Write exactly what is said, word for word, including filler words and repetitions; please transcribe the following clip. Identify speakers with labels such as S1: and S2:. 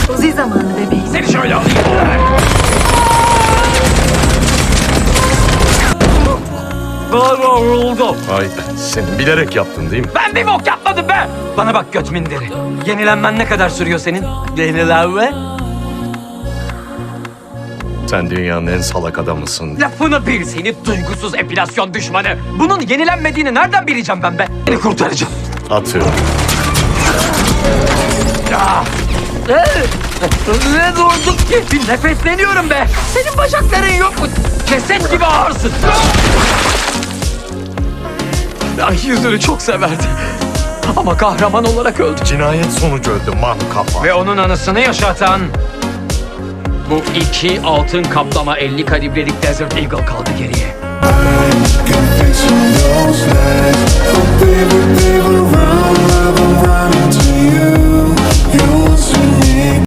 S1: Uzi zamanı bebeğim.
S2: Seni şöyle alayım. Galiba vuruldum.
S3: Ay senin bilerek yaptın değil mi?
S2: Ben bir bok yapmadım be. Bana bak göt minderi. Yenilenmen ne kadar sürüyor senin? Yenilenme?
S3: Sen dünyanın en salak adamısın.
S2: Lafını bil seni duygusuz epilasyon düşmanı. Bunun yenilenmediğini nereden bileceğim ben be? Seni kurtaracağım.
S3: Atıyorum.
S2: Ya. Ne durduk ki? Bir nefesleniyorum be. Senin bacakların yok mu? Ceset gibi ağırsın. Ay yüzünü çok severdi. Ama kahraman olarak öldü.
S3: Cinayet sonucu öldü man kafa.
S2: Ve onun anısını yaşatan bu iki altın kaplama elli kalibrelik Desert Eagle kaldı geriye.
S4: Can fix all those lies. Oh baby, baby, run, I've been running to you. You want to me.